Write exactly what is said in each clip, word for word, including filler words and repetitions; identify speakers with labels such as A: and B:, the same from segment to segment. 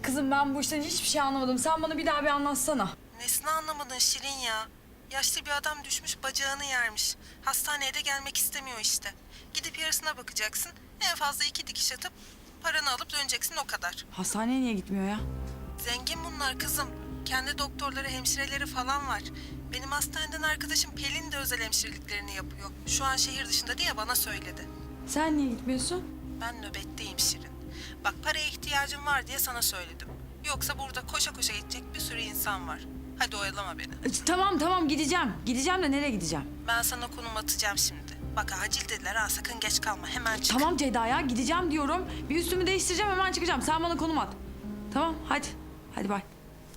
A: Kızım ben bu işten hiçbir şey anlamadım. Sen bana bir daha bir anlatsana.
B: Nesini anlamadın Şirin ya? Yaşlı bir adam düşmüş bacağını yermiş. Hastaneye de gelmek istemiyor işte. Gidip yarısına bakacaksın. En fazla iki dikiş atıp paranı alıp döneceksin o kadar.
A: Hastaneye niye gitmiyor ya?
B: Zengin bunlar kızım. Kendi doktorları, hemşireleri falan var. Benim hastaneden arkadaşım Pelin de özel hemşireliklerini yapıyor. Şu an şehir dışında diye bana söyledi.
A: Sen niye gitmiyorsun?
B: Ben nöbetteyim Şirin. Bak paraya ihtiyacım var diye sana söyledim. Yoksa burada koşa koşa gidecek bir sürü insan var. Hadi oyalama beni.
A: E, Tamam tamam gideceğim. Gideceğim de nereye gideceğim?
B: Ben sana konum atacağım şimdi. Bak acil dediler ha, sakın geç kalma, hemen çık.
A: Tamam Ceyda ya gideceğim diyorum. Bir üstümü değiştireceğim hemen çıkacağım. Sen bana konum at. Tamam hadi. Hadi bay.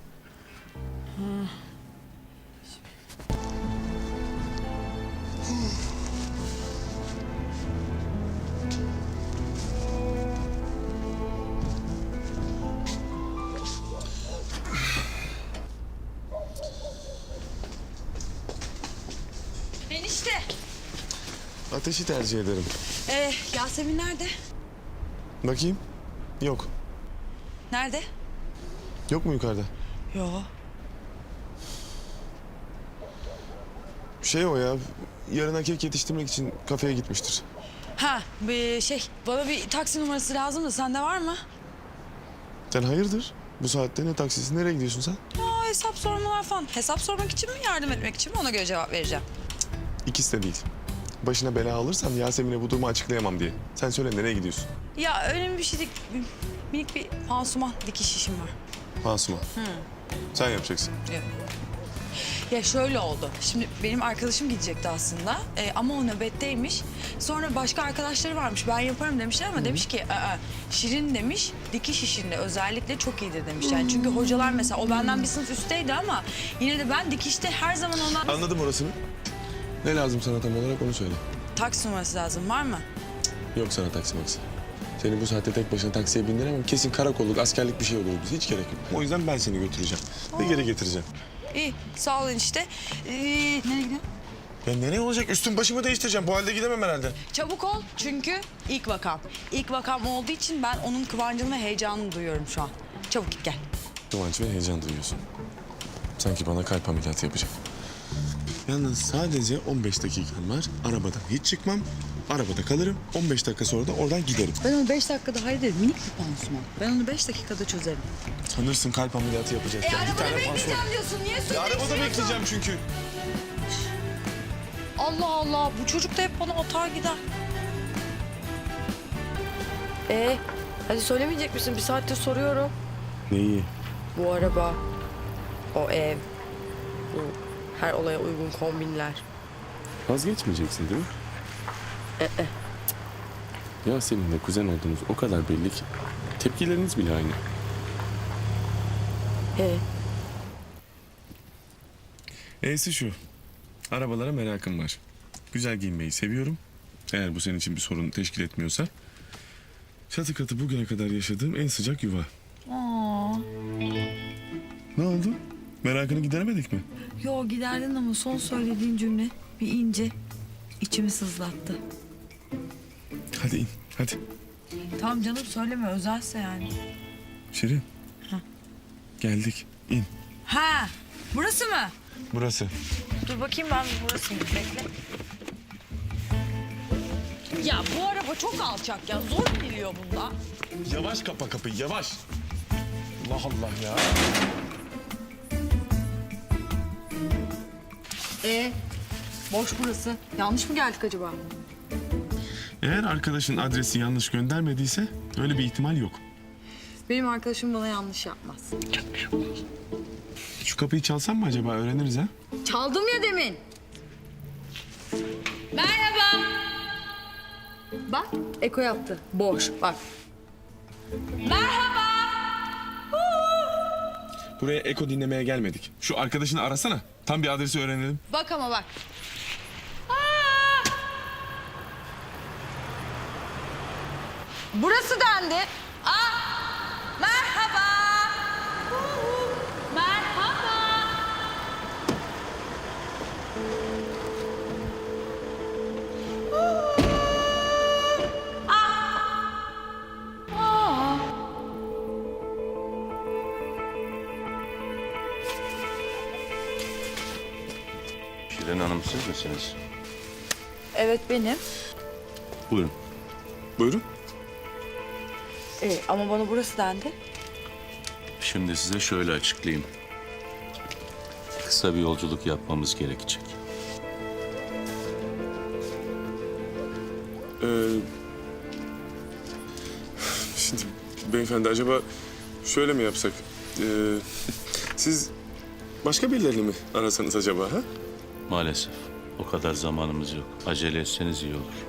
A: Enişte.
C: Ateşi tercih ederim.
A: Ee, Yasemin nerede?
C: Bakayım. Yok.
A: Nerede?
C: Yok mu yukarıda?
A: Yok.
C: Şey o ya. Yarına kek yetiştirmek için kafeye gitmiştir.
A: Ha bir şey bana bir taksi numarası lazım da sende var mı?
C: Sen hayırdır? Bu saatte ne taksisi? Nereye gidiyorsun sen?
A: Aa, hesap sormalar falan. Hesap sormak için mi yardım etmek için mi ona göre cevap vereceğim.
C: İkisi de değil. Başına bela alırsam Yasemin'e bu durumu açıklayamam diye. Sen söyle nereye gidiyorsun?
A: Ya önemli bir şey değil. Minik bir pansuman dikiş işim var.
C: Pansuman. Sen yapacaksın.
A: Evet. Ya şöyle oldu. Şimdi benim arkadaşım gidecekti aslında Ee, ama o nöbetteymiş. Sonra başka arkadaşları varmış. Ben yaparım demişler ama demiş ki "Aa, Şirin demiş dikiş işinde özellikle çok iyidir demiş. Yani çünkü hocalar mesela o benden bir sınıf üstteydi ama yine de ben dikişte her zaman ona
C: Anladım orasını. Ne lazım sana tam olarak onu söyle.
A: taksi numarası lazım var mı?
C: Yok sana taksi maksi. Seni bu saatte tek başına taksiye bindiremem. Kesin karakolluk, askerlik bir şey olur bize. Hiç gerek yok. O yüzden ben seni götüreceğim. Ve geri getireceğim.
A: İyi sağ olun işte. Ee, nereye gidiyorsun?
C: Ya nereye olacak? Üstüm başımı değiştireceğim. Bu halde gidemem herhalde.
A: Çabuk ol çünkü ilk vakam. İlk vakam olduğu için ben onun kıvancını ve heyecanını duyuyorum şu an. Çabuk git gel.
C: Kıvanç ve heyecan duyuyorsun. Sanki bana kalp ameliyatı yapacak. Yalnız sadece on beş dakikam var. Arabadan hiç çıkmam. Arabada kalırım. on beş dakika sonra da oradan giderim.
A: Ben onu beş dakikada hallederim. Minik bir pansuman. Ben onu beş dakikada çözerim.
C: Sanırsın kalp ameliyatı yapacak.
A: E
C: ya. Bir
A: arabada
C: tane
A: bekleyeceğim
C: pansuman.
A: diyorsun. Niye
C: Ya
A: söylüyorsun?
C: arabada bekleyeceğim çünkü.
A: Allah Allah. Bu çocuk da hep bana atar gider.
D: Ee, hadi söylemeyecek misin? Bir saattir soruyorum.
C: Neyi?
D: Bu araba, o ev, bu her olaya uygun kombinler.
C: Vazgeçmeyeceksin değil mi?
D: Ee,
C: Ya seninle kuzen olduğunuz o kadar belli ki. Tepkileriniz bile aynı.
D: ee,
C: E'si şu. Arabalara merakım var. Güzel giyinmeyi seviyorum. Eğer bu senin için bir sorun teşkil etmiyorsa. Çatı katı bugüne kadar yaşadığım en sıcak yuva.
A: Aa.
C: Ne oldu? Merakını gideremedik mi?
A: Yo giderdin ama son söylediğin cümle bir ince içimi sızlattı.
C: Hadi in, hadi.
A: Tamam canım söyleme özelse yani.
C: Şirin.
A: Ha.
C: Geldik, in.
A: Ha burası mı?
C: Burası.
A: Dur bakayım ben burası mı? Bekle. Ya bu araba çok alçak ya. Zor geliyor bunda.
C: Yavaş kapa kapıyı, yavaş. Allah Allah ya.
A: Ee, boş burası. Yanlış mı geldik acaba?
C: Eğer arkadaşın adresi yanlış göndermediyse öyle bir ihtimal yok.
A: Benim arkadaşım bana yanlış yapmaz.
C: Şu kapıyı çalsam mı acaba, öğreniriz ha?
A: Çaldım ya demin. Merhaba. Bak Eko yaptı. Boş bak. Merhaba.
C: Buraya eko dinlemeye gelmedik. Şu arkadaşını arasana. Tam bir adresi öğrenelim.
A: Bak ama bak. Burası dendi. Aa, merhaba. Merhaba. Aa.
E: Şirin Hanım siz misiniz?
A: Evet benim.
E: Buyurun.
C: Buyurun.
A: Ee, ama bana burası dendi.
E: Şimdi size şöyle açıklayayım. Kısa bir yolculuk yapmamız gerekecek.
C: Ee, şimdi beyefendi acaba şöyle mi yapsak? Ee, siz başka birilerini mi arasanız acaba ha?
E: Maalesef o kadar zamanımız yok. Acele etseniz iyi olur.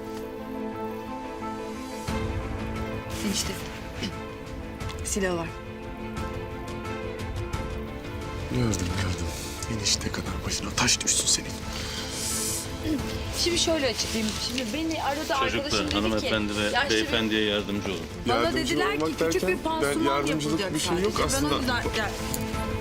A: Enişte. Silahı var.
C: Gördüm gördüm. Enişte kadar başına taş düşsün senin.
A: Şimdi şöyle açıklayayım. Şimdi beni aradı arkadaşım
E: Çocuklar,
A: dedi ki...
E: hanımefendi ve
A: "Yaşlı bir-
E: beyefendiye yardımcı olun.
A: Bana
C: Yardımcı
A: dediler ki
C: olmak
A: küçük
C: derken,
A: bir pansuman
C: ben yardımcılık
A: yapılacak
C: bir şey yok
A: sadece.
C: aslında.
A: Ben o yüzden... Ya,